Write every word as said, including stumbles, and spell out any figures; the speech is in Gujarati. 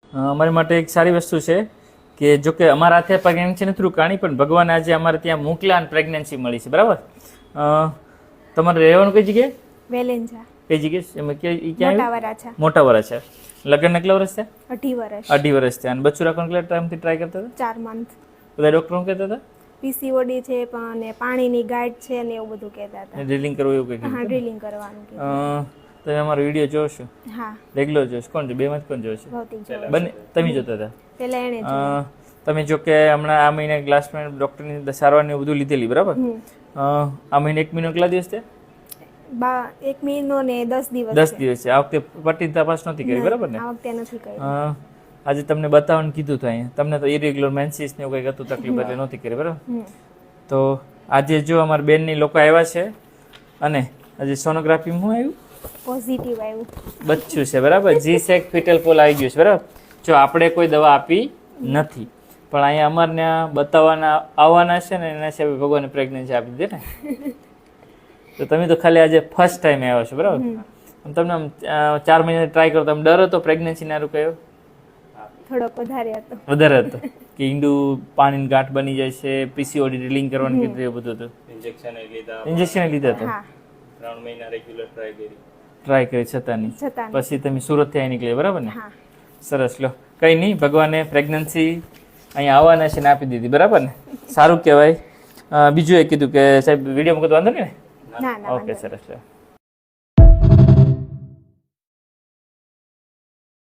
અમારી માટે એક સારી વસ્તુ છે કે જો કે અમારા હાથે પ્રેગ્નન્સી નથી રોકાણી, પણ ભગવાન આજે અમારે ત્યાં મોકલ્યા અને પ્રેગ્નન્સી મળી છે, બરાબર? તમારે રહેવાનું કઈ જગ્યાએ? વેલેન્જા. કઈ જગ્યાએ? એમાં ક્યાં? મોટા વરાછા. મોટા વરાછા. લગ્ન કેટલા વર્ષ થયા? અઢી વર્ષ. અઢી વર્ષ થયા. અને બચ્ચું રાખવાનું કેટલા ટાઈમથી ટ્રાય કરતા હતા? ચાર મંથ. બધા ડોક્ટરો કહેતા હતા પીસીઓડી છે પણ પાણીની ગાંઠ છે ને એવું બધું કહેતા હતા. ડ્રિલિંગ કરવું એવું કંઈક? હા, ડ્રિલિંગ કરવાનું કીધું. તમે અમારો વિડીયો જોશો? હા, રેગ્યુલર જોશો? કોણ છે? બેમાંથી કોણ જોશે? ભૌતિક જોવે. બંને તમે જોતા હતા? પેલા એણે જોયું. તમે જો કે હમણાં આ મહિને ગ્લાસમેન ડોક્ટરની સારવાર ને બધું લીધેલી, બરાબર? આ મહિને એક મહિનો કેટલા દિવસ છે? બા એક મહિનો ને દસ દિવસ. દસ દિવસ છે. આ વખતે પટ્ટી તપાસ નથી કરી, બરાબર ને? આ વખતે નથી કરી. આજે તમને બતાવવાનું કીધું હતું અહીંયા. તમને તો ઇરેગ્યુલર મેન્સીસ ને એવું કંઈક હતું તકલીફ, એટલે નહોતી કરી, બરાબર? તો આજે જો અમારા બેનની લોકો આવ્યા છે અને આજે સોનોગ્રાફીમાં શું આવ્યું? પોઝિટિવ આવ્યું. બચ્ચું છે, બરાબર? જી સેક ફિટલ પોલ આવી ગયું છે, બરાબર? જો આપણે કોઈ દવા આપી નથી, પણ અહીંયા અમારને બતાવવાના આવવાના છે ને એના સિવાય ભગવાને પ્રેગ્નન્સી આપી દીધી ને. તો તમે તો ખાલી આજે ફર્સ્ટ ટાઈમ આવ્યા છો, બરાબર? તમને આમ ચાર મહિના ટ્રાય કરો, તમે ડર હતો પ્રેગ્નન્સી ના કયો? થોડોક વધારે હતો. વધારે હતો કે ઈંડું પાણીની ગાંઠ બની જાય છે, પીસીઓડી ડ્રિલિંગ કરવાનું કીધું, એવું બધું હતું. ઇન્જેક્શન લીધા? ઇન્જેક્શન લીધા હતા. ત્રણ મહિના રેગ્યુલર ટ્રાય કરી ટ્રાય કરી છતાં નહીં. પછી તમે સુરતથી અહીં નીકળ્યા, બરાબર ને? સરસ. લો, કંઈ નહીં, ભગવાને પ્રેગ્નન્સી અહીંયા આવવાના છે ને આપી દીધી, બરાબર ને? સારું કહેવાય. બીજું એ કીધું કે સાહેબ વિડીયો મૂકો તો વાંધો નહીં ને? ઓકે, સરસ. લો.